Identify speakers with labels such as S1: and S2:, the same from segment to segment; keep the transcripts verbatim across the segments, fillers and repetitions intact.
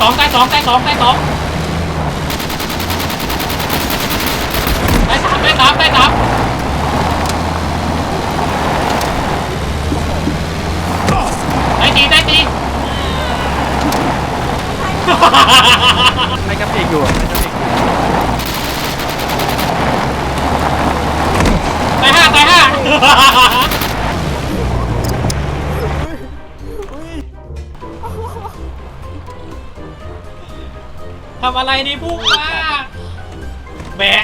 S1: องตายสองตายสองตายสองตายสามตายสามตายสามตายตีตายตี
S2: ไม่กระเพกอยู่ไม่กระเพก
S1: ตายห้าตายห้าทำอะไรนี่พุ่งมาแบก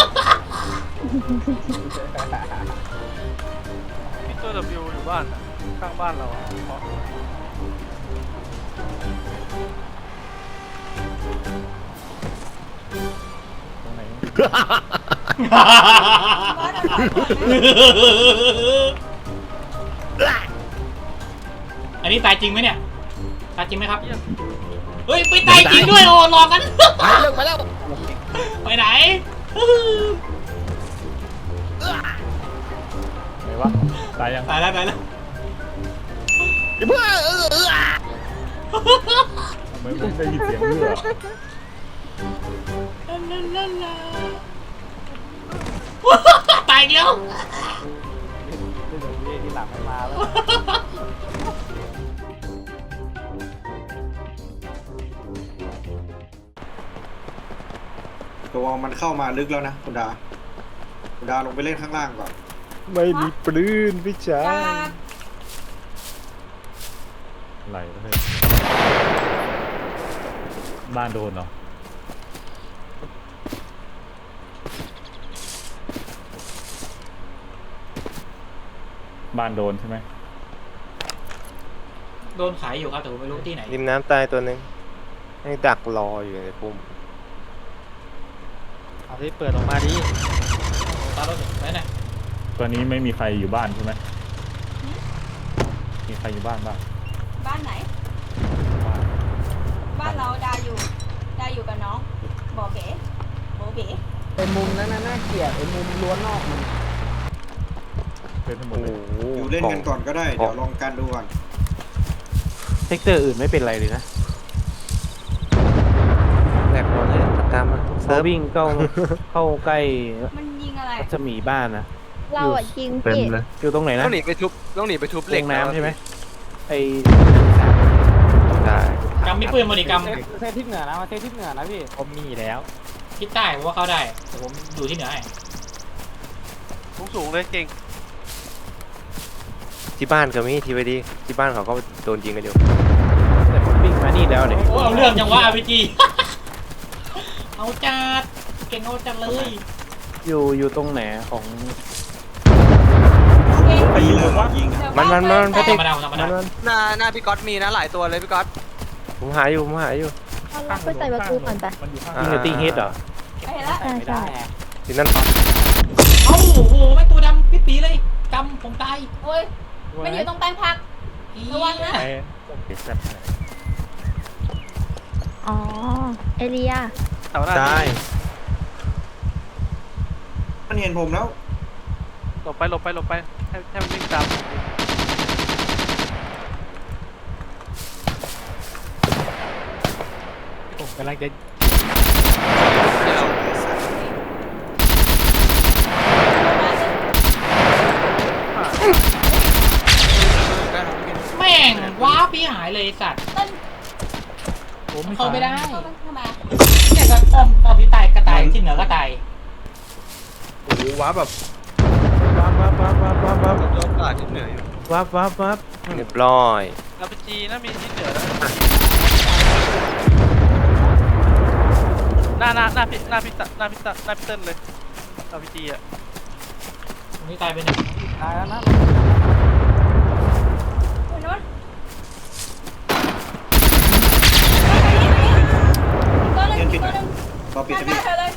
S2: พี่ตัว W อยู่บ้านข้างบ้านเราอ่ะตรงไหน
S1: อันนี้ตายจริงไหมเนี่ยตายจริงไหมครับเฮ้ยไปตายจริงด้วยโอ้หลอกกัน
S3: ไปเลิกไปแล้ว
S1: ไปไหน
S2: ไหนวะตายยัง
S1: ตายแล้วตายแล้ว
S3: เพื่อเออ
S2: ทำไมผมได้ยินเสียงเรือ
S1: ตายเดียว
S2: ที่หลังไม่มาแล้ว
S4: ตัวมันเข้ามาลึกแล้วนะคุณดาคุณดาลงไปเล่นข้างล่างก่อน
S2: ไม่มีปืนพี่ชายไหลเลยบ้านโดนเหรอบ้านโดนใช่ไหม
S1: โดนขายอยู่ครับแต่ผมไม่รู้ที่ไหน
S5: ริมน้ำตายตัวหนึ่งให้ดักรออยู่ในปุ่ม
S2: เอาที่เปิดออกมาดิ
S1: ตารถไปไหน
S2: ตอนนี้ไม่มีใครอยู่บ้านใช่ไหมมีใครอยู่บ้านบ้าง
S6: บ้านไหนบ้านเราดาอยู่ดาอยู่กับน้องบอเก๋โบเก๋
S3: ไอ้มุมนั้นน่าเกลียดไอ้มุมล้วนนอกมัน
S2: เป็นทั้งหมดเลย
S4: อยู่เล่นกันก่อนก็ได้เดี๋ยวลองกันดูก่อน
S5: เซกเตอร์อื่นไม่เป็นไรเลยนะแหลกหมดเลยตามมาเซิร์ฟวิ่งเข้าเข้าใกล้
S6: มันยิงอะไร
S5: จะมีบ้านนะ
S7: เราอ่ะยิง
S5: เต็มเลยอยู่ตรงไหนนะ
S3: ต้องหนีไปทุบต้องหนีไปทุบเหล็ก
S5: น้ำใช่ไหมไอ้ได้
S1: กำมีปืนมาดิกำ
S3: เซทิศเหนือนะมาเซทิศเหนือนะพี่
S5: ผมมีแล้ว
S1: ทิศใต้ผมว่าเข้าได้แต่ผมอยู่ที่เหนือให้
S2: สูงสูงเลยเก่ง
S5: ที่บ้านก็มีทีวีดีที่บ้านเขาก็โดนยิงกันอยู่แต่ผมวิ่งมานี่แล้วเนี่ย
S1: โอ้เอาเรื่องจังวะอาร์พีจีเอาจัดเก่งเอาจัดเลย
S5: อยู่อยู่ตรงไหนของ
S4: ไปยิงเลยวะยิง
S5: มันมันมัน
S1: ธรรมดาธรรมดา
S3: หน้าหน้าพี่ก๊อตมีนะหลายตัวเลยพี่ก๊อต
S5: ผมหาอยู่ผมหาอยู่
S7: เราไปใส่ประตูก่อนไป
S5: ยิงกับตีเฮดเหรอ
S6: ไปแล้ว
S7: ใช่ใช่
S5: ทีนั่น
S1: เอ้าโอ้โหไม่ตัวดำปิ๊ปีเลยกำผมตาย
S6: โอ้ยมันอยู่ตรงแปลงผักระวังนะ
S7: อ๋อเอเลีย
S5: ใช่
S4: มันเห็นผมแล้ว
S2: หลบไปหลบไปหลบไปให้ให้มันวิ่งตามผมกำลังจะ
S1: แม่งว้าพี่หายเลยสัตว์ผมเข้าไม่ได้เนี่ยก็อ้อมอ้อมพี่ตายกระต่ายที่เหนือกระต่าย
S4: โอ้โหว้าแบบ
S5: วับวับวับวับวับวับ
S4: ยอดกาที่เหนืออยู่
S5: วับวับวับเรียบร้อย
S2: อาพีจีน่ามีที่เหนือหน้าหน้าหน้าพี่หน้าพี่หน้าพี่หน้าพี่เติ้ลเลยอาพีจีอ่ะ
S1: ตรงนี้ตายไปหนึ่ง
S3: ตายแล้วนะ
S6: คุณนุชตัวนึงตัวนึง
S4: รอปิดสวิตช์
S6: เธอเลย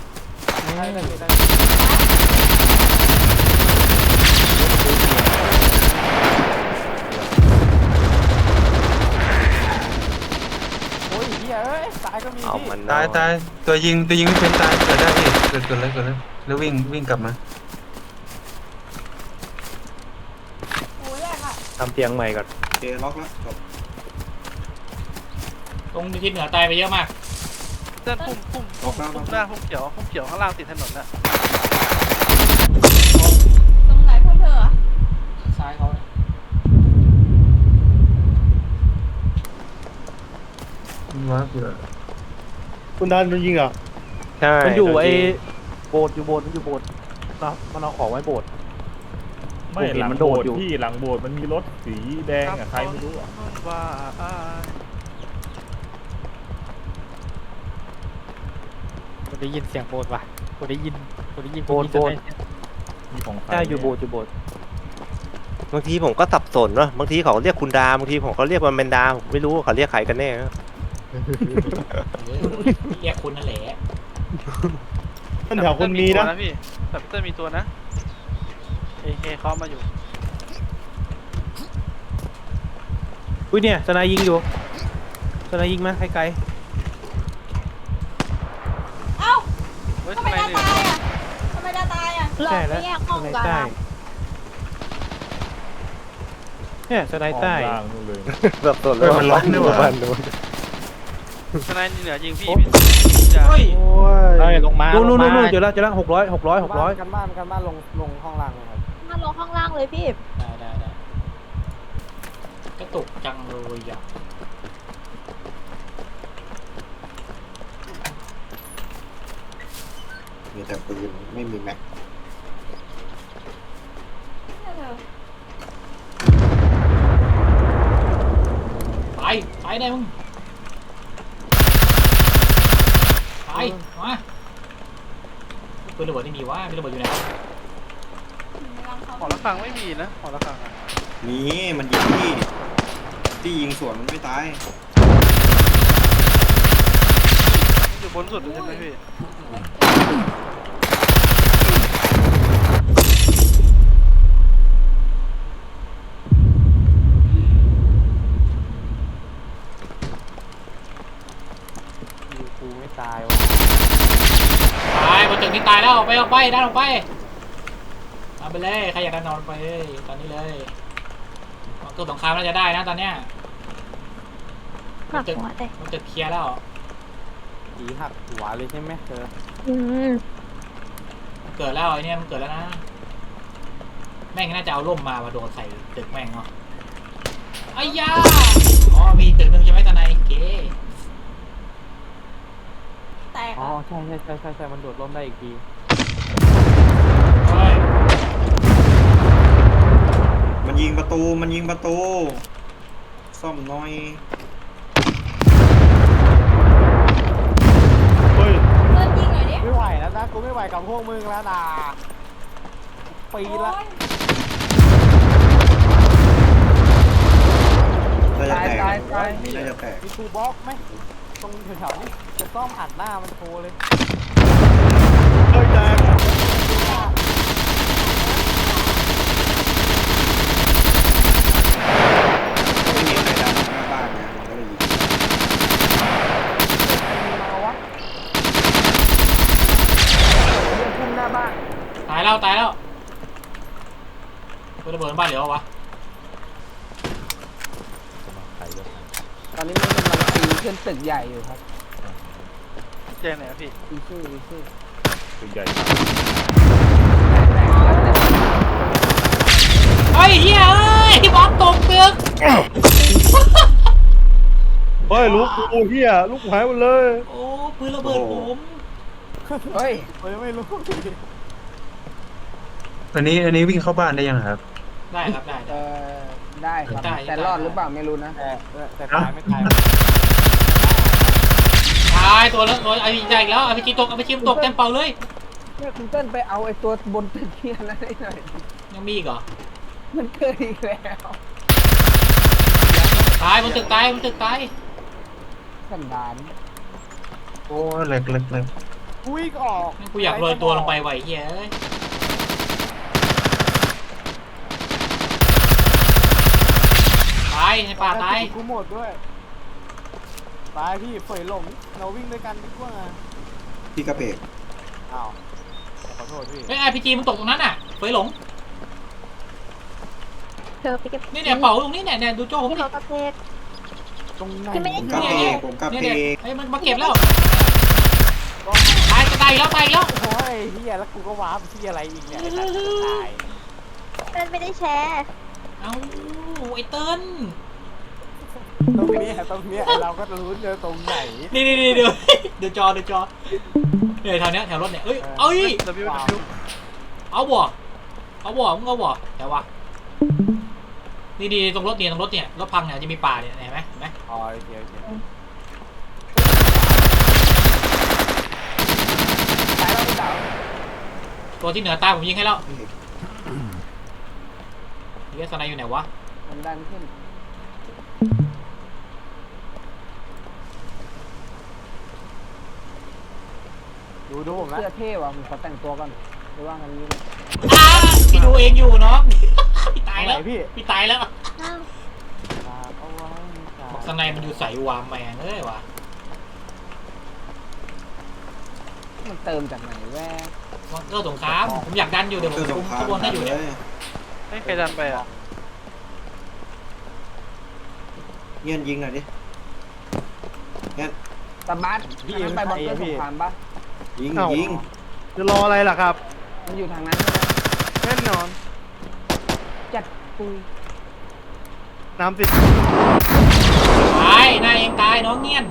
S3: โอ้ยเฮียเอ้ยตายก็มีพี่
S5: ตายตายตัวยิงตัวยิงไม่เป็นตายเกิดได้พี่เกิดเกิดเลยเกิดเลยแล้ววิ่งวิ่งกลับมา
S6: โอ้ยแรกอะ
S5: ทำเตียงใหม่ก่อน
S4: โอเคล็อกแล้วจบ
S1: โอตรงทิศเหนือตายไปเยอะมาก
S2: เต้นพุ่มพุ่ม
S4: ออกหน้า
S2: พุ่มหน้าพุ่มเขียวพุ่มเขียวข้างล่างติดถนนน่ะ
S6: ตรงไหนพวกเธอเหรอ
S1: ซ้ายเขา
S8: คุณดานโดนยิงเหรอ
S5: ใช่
S3: มันอยู่
S5: โดน
S3: ไอ้
S5: ยิง
S3: โบสถ์อยู่โบสถ์มันอยู่โบสถ์นะมันเอาของไว้โบสถ์
S8: ไม่
S3: ผมเห็น
S8: หลัง
S3: มัน
S8: โบ
S3: โด
S8: ส
S3: ด
S8: ถ์
S3: อยู่
S8: พี่หลังโบสถ์มันมีรถสีแดงอะใครไม่รู้อะ
S2: ว่าอ้าย
S3: กูได้ยินเสียงโบสถ์ว่ะกูได้ยินกูได้ยิน
S5: โบสถ์โบสถ์
S8: มีของใคร
S3: ใช่อยู่โบสถ์อยู่โบสถ์
S5: บางทีผมก็สับสนเนาะบางทีเขาเรียกคุณดาบางทีผมเขาเรียกว่าเมนดาผมไม่รู้ว่าเขาเรียกใครกันแน่นะ
S1: เออเรียกคุณนั่นแหละ
S8: ท่านแถวคนมีนะ
S2: แต่พี่แต่พี่เต้นมีตัวนะเอเคเขามาอยู่
S3: อุ้ยเนี่ยสนายยิงอยู่สนายยิงมาไกล
S6: เอ้า
S2: เฮ้ย
S6: ทำ
S2: ทำ
S6: ไม
S2: ไม
S6: ดา
S2: เนี่ย
S6: ตายอ่ะทำไมดาตายอ่ะ
S3: ๆใช่แล้วสนายใต้เนี่ยสนายใต้
S8: ล่างนู่นเลย
S5: สับสนเลยมันล็อกนี่หว่า
S2: ทนายเหนือยิงพี่พี่จะ
S1: เฮ้ย
S5: โอ้ย
S8: ได้ลงมา
S3: นู่นนู่น
S8: ลงมา
S3: นู่นเจอแล้วเจอแล้วหกร้อยหกร้อยหกร้อย
S9: กันบ้านกันบ้านลงลงห้องล่างเลยครับ
S7: มาลงข้างล่างเลยพี่
S1: ได้ได้ได้กระตุกจังเลยอ่ะ
S4: มีแต่ปืนไม่มีแม็ก
S1: ไปไปได้มึงไปมาปืนระเบิดไม่มีวะปืนระเบิดอยู่ไหนวะ
S2: หอระฆังไม่มีนะหอระฆังอะ
S4: มีมันยิงที่ที่ยิงสวนมันไม่ตาย
S2: อยู่บนสุดเลยใช่ไหมพี่
S3: อยู่กูไม่ตายวะ
S1: ตายบนตึกนี้ตายแล้วออกไปออกไปด้านออกไปเอาไปเลยใครอยากดันนอนไปเลยตอนนี้เลยเกิดสงครามน่าจะได้นะตอนเนี้ย
S7: หักหัวเลย
S1: มันตึกเคลียร์แล้ว
S3: ผีหักหัวเลยใช่ไหมเธอ
S7: อืม
S1: มันเกิดแล้วไอ้เนี่ยมันเกิดแล้วนะแม่งน่าจะเอาร่มมามาโดนใส่ตึกแม่งเนาะไอ้ยาอ๋อมีตึกหนึ่งใช่ไหมตาในเก๋
S6: แตก
S3: อ๋อ
S6: อ่ะ
S3: ใช่ใช่ใช่ใช่ใช่มันโดดร่มได้อีกที
S1: เฮ้ย
S4: มันยิงประตูมันยิงประตู ซ่อมหน้อย
S8: เฮ้ย
S6: เพื่อนยิงหน่อยดิ
S9: ไม่ไหวแล้วนะกูไม่ไหวกับพวกมึงแล้วนะปีละ
S4: น่าจะแตก
S9: ตายตาย
S4: น่าจะแตก
S9: มีกูบล็อกไหมตรงแถวๆนี้จะซ่อมอัดหน้ามันโชว์เลย
S8: เฮ้ยแตก
S4: ไม่มีอะไรดันหน้าบ้านนะมันก็เลยยิง
S9: มาวะเรื่องพุ่งหน้าบ้าน
S1: ตายแล้วตายแล้วปืนระเบิดบ้านเหลือวะ
S9: ตอนนี้มันกำลังตีขึ้นตึกใหญ่อยู่ครับ
S2: แจ้งไหนอะพี่
S9: อีชื่ออีชื่อ
S8: ตัวใหญ่
S1: เฮ้ยเฮียเอ้ยบอสตกตึก
S8: เฮ้ยลูกกูเฮียลูกหายหมดเลย
S1: โอ้ปืนระเบิดผม
S9: เฮ้ยผมยังไม่รู้
S10: อันนี้อันนี้วิ่งเข้าบ้านได้ยังครับ
S1: ได้ครับได้
S9: เอ
S1: ได้
S9: อได้ครับ
S1: ได้
S9: แต่รอดหรือเปล่าไม่รู้นะ
S3: แต่แต่ตายไม่ตาย
S1: ตายตัวแล้วตัวไอ้ใหญ่อีกแล้วเอาไปกินตกเอาไปชิมตกเต็มเป่าเลย
S9: เนี่ยคุณเต้นไปเอาไอ้ตัวบนตึกเฮียนั่นได้หน่อย
S1: ยังมีอีกเหรอ
S9: มันเกิดอีกแล้ว
S1: ตายบนตึกตายบนตึกตาย
S9: สันดาน
S10: โอ้เล็กเล็กเล็ก
S9: กูวิ่งออก
S1: กูอยากโรยตัวลงไปไหวเฮียเอ้ยตายในป่าตาย
S9: กูหมดด้วยตายพี่เผยหลงเราวิ่งด้วยกันดีกว่า
S4: พี่กระเพก
S9: อ้าวขอโทษพี่
S1: เฮ้ยไอพีจีมันตกตรงนั้นอ่ะเฟยหลง
S7: เธอไปเก็บ
S1: นี่เนี่ยเป่าตรงนี้เนี่ยเนี่ยดูโจ้ผม
S7: ที่
S1: ดิ
S7: เขากระเพก
S9: ตรงไหน
S7: คือไม่ได้
S4: ผมกลับ
S1: เนี่ย
S4: เอ
S1: เนี่ย
S4: งผมกลับ
S1: เนี่ย
S4: เอ
S1: เนี่ย
S4: ง
S1: เฮ้ยมันมาเก็บแล้วตายจะตายอีกแล้วตายอีกแล้ว
S9: โอ้ยเฮียแล้วกูก็ว้าร์ปที่อะไรอีกเนี่ยไอ้สัตว์จะตาย
S7: มันไม่ได้แชร์
S1: เอ้าไอ้เติ้ล
S9: ตรงเนี้ยตรงเนี้ยไอ้เราก็รู้เจอตรงไหน
S1: นี่นี่นี่เดี๋ยวเดี๋ยวจอเดี๋ยวจอเนี่ยแถวเนี้ยแถวรถเนี่ยเอ้ยเอ้ย
S2: ดับเบิลดับเบิล
S1: เอาบ่เอาบ่มึงเอาบ่แต่ว่านี่ดีตรงรถเนี่ยตรงรถเนี่ยรถพังเนี่ยจะมีป่าเนี่ยเห็นไหมเห็นไหม
S9: อ๋อโอเคโอเคตายแล้วพี่สาว
S1: ตัวที่เหนือตาผมยิงให้แล้วเฮียสไนอยู่ไหนวะ
S9: มันดันขึ้นดูดูผมนะเสื้อเท่ว่ะผมขอแต่งตัวก่อนหรือว่างันนี้
S1: อ้าพี่ดูเองอยู่น้องพี่ตายแล้ว
S9: พี่
S1: พี่ตายแล้ว
S7: อ้าว
S9: เอาไว้
S1: บอกสไนมันอยู่ใส่วามแมงเอ้ยวะ
S9: มันเติมจากไหนแว่
S1: มันก็สงครามผมอยากดันอยู่เดี๋ยวผม
S4: คือส
S1: คุ
S4: ง
S1: ม
S4: ครา
S1: ข
S4: ม
S1: บวนให้อยู่เนี่ย
S2: ให้ใครดันไปอ่ะ
S4: เงี้ยยิงหน่อยดิเงี้ย
S9: ตาบัสพี่ไปบังเกอร์สงครามปะ
S4: ยิง
S3: เอ้า
S4: ยิง
S3: จะรออะไรล่ะครับ
S9: มันอยู่ทางนั้นใช่ไหม
S3: แน่นอน
S9: จัดปุย
S3: น้ำติด
S1: ตายนายเองตายน้องเงี้ยน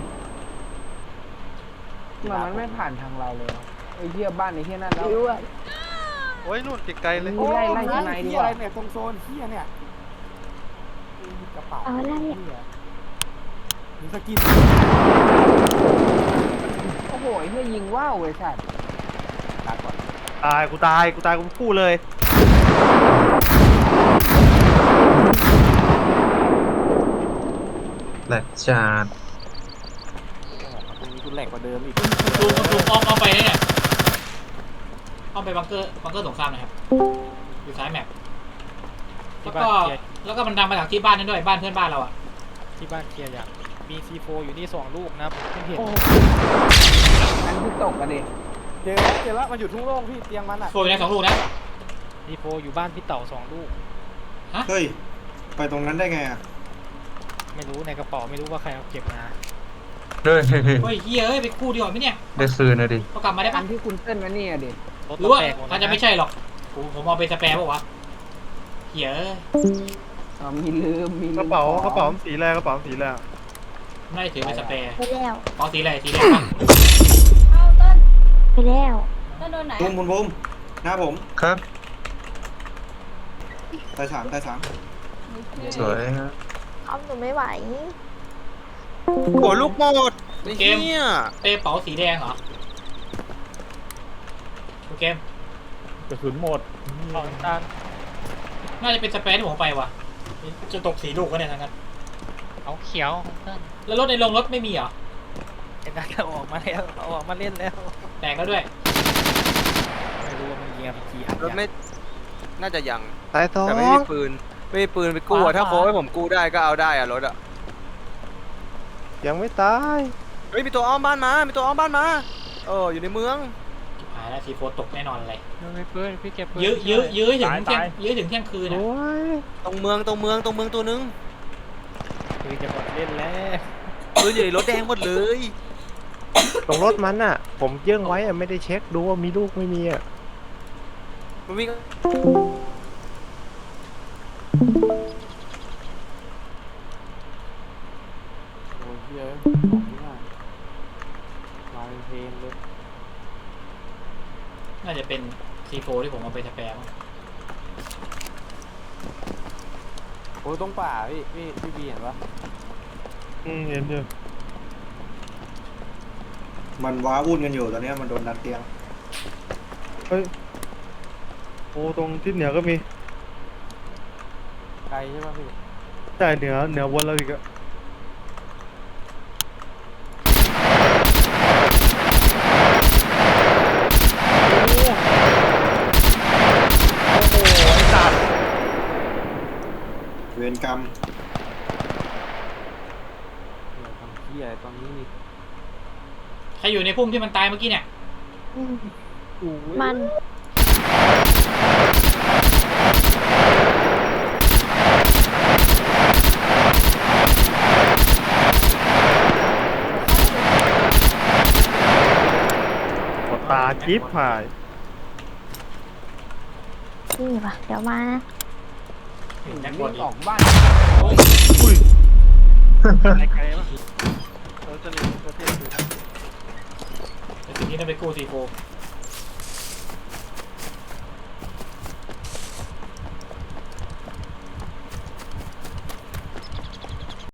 S9: มันมันไม่ผ่านทางเราเลยวะไอ้เหี้ยบ้านไอ้เหี้ยนั่นแล้ว
S7: รู้อะ
S2: โอ้ยนู่นไกลๆเลย
S9: โอ้ยไล่ข้างในดีกว่าเนี่ยตรงโซนเหี้ยเนี่ยกระเป๋า
S7: เอาอะไรอะ
S9: เหี้ยมึงสกินโอ้โหไอ้เหี้ยยิงว่าวเว้ยสัตว์ลาก่อน
S3: ตายกูตายกูตายกูพูดเลย
S10: แหลกจัด
S9: ตรงนี้กูแหลกกว่าเดิมอีก
S1: ดูคุณดูอ้อมอ้อมไปเนี่ยอ้อมไปบังเกอร์บังเกอร์สงครามนะครับอยู่ซ้ายแมปแล้วก็แล้วก็มันดังมาจากที่บ้านนั่นด้วยบ้านเพื่อนบ้านเราอ่ะ
S3: ที่บ้านเคลียร์อย่างมี ซี โฟ อยู่นี่สองลูกนะผมเพิ่งเห็น
S9: นั่นคือตกกันดิเจอแล้วเจอแล้วมันอยู่ทุ่งโล่งพี่เตียงมันอ่ะ
S1: โฟอยู่ในสองลูกนะ
S3: ซี โฟ อยู่บ้านพี่เต่าสองลูก
S4: เฮ้ยไปตรงนั้นได้ไงอ่ะ
S3: ไม่รู้ในกระเป๋าไม่รู้ว่าใครเอาเก็บมา
S10: เฮ้ยเฮ้ยเฮ้ย
S1: เฮ้ยเฮียเอ้ยไปคู่ดีกว่าไหมเนี่ย
S10: ได้คืนนะดิ
S1: เอากลับมาได้
S9: อั
S1: ปะ
S9: นที่คุณเต้นมาเนี่ยดิ
S3: รถ
S1: หรือว่า
S3: แตกหมด
S1: อาจจะไม่ใช่หรอกผมผมเอาไปสแปร์ป่าวะเฮียเอ้ย
S9: อ๋อมีลืมมีลืม
S3: กระเป๋า
S9: ของ
S3: กระเป๋าสีแรกกระเป๋าสีแรก
S1: ไม่ได้ถือไปสแปร์
S7: ไปแล้ว
S1: อ๋อสีอะไรสีแดงปะ
S6: เอาเต้น
S7: ไปแล้ว
S6: เต้นโดนไหน
S4: บุ้มบุ้มบุ้มหน้าผม
S10: ครับ
S4: ตายสามตายสาม
S10: สวยฮะ
S7: เอาหนูไม่ไหว
S5: โอ้ลูกหมด
S1: เกม
S5: เนี่ย
S1: เป้เป๋าสีแดงเหรอโอเค
S8: กระสุนหมด
S3: ของตาล
S1: น่าจะเป็นสเปซที่ผมเอาไปว่ะจะตกสีลูกก็เนี่ยทั้งนั้น
S3: เอาเขียวของตาล
S1: แล้วรถในโรงรถไม่มีเหรอ
S3: เห็นไหมเอาออกมาแล้วเอาออกมาเล่นแล้ว
S1: แตกแล้วด้วย
S3: ไม่รู้ว่ามันยิงอะไรกี่อัน
S5: รถไม่ น่าจะยัง
S3: ตายสอง
S5: แต่ไม่มีปืน ไม่มีปืนไปกู้อะถ้าโค้ให้ผมกู้ได้ก็เอาได้อะรถอะ
S3: ยังไม่ตาย
S5: เฮ้ยมีตัวอ้อมบ้านมา มีตัวอ้อมบ้านมา เอออยู่ในเมือง
S1: หายแล้วสีโฟตกแน่นอนเลย
S3: ยังไม่ปืนพี่เก็บปืน
S1: ยื้อยื้อยื้อถึงเที่ยงยื้อถึงเที่ยงคืนนะ
S3: โอ้ย
S5: ตรงเมืองตรงเมืองตรงเมืองตัวนึง
S3: ปืนจะหมดเล่นแล้ว
S5: ปืนอยู่ในรถแดงหมดเลย
S11: ตรงรถมันอ่ะ ผมเยื่องไว้อ่ะไม่ได้เช็คดูว่ามีลูกไม่มีอ่ะ
S5: มันวิ่ง
S9: โอ้ยเหี้ยของนี่น่ะมาเป็นเพลงเลย
S1: น่าจะเป็นซีโฟที่ผมเอาไปสแปร์มั้ง
S9: โอ้ยตรงป่าพี่พี่พี่บีเห็นปะ
S8: อืมเห็นอยู่
S4: มันว้าวุ่นกันอยู่ตอนเนี้ยมันโดนดันเตียง
S8: เฮ้ยโอ้ตรงทิศเหนือก็มี
S9: ไกลใช่ปะพี่
S8: ใช่เหนือเหนือวนเราอีกอะโอ้โหไอ้สัตว์
S4: เวรกรรม
S9: เดี๋ยวทำเหี้ยอะไรตอนนี้นี่
S1: ใครอยู่ในพุ่มที่มันตายเมื่อกี้เนี่ย
S7: อืม
S8: โอ้ย
S7: มัน
S1: เ
S8: จิ๊บหาย
S7: นี่ป่ะเดี๋ยวมานะ
S1: เห็นแจ็คบ
S9: วิ่
S1: อล
S9: ง
S1: อี
S9: อก อกบ้าน
S8: อุ้ย
S2: ไกลไกลๆปะเราจะเล่นตัวเทพอยู่
S1: แต่ทีนี้ต้องไปกู้ซีโฟ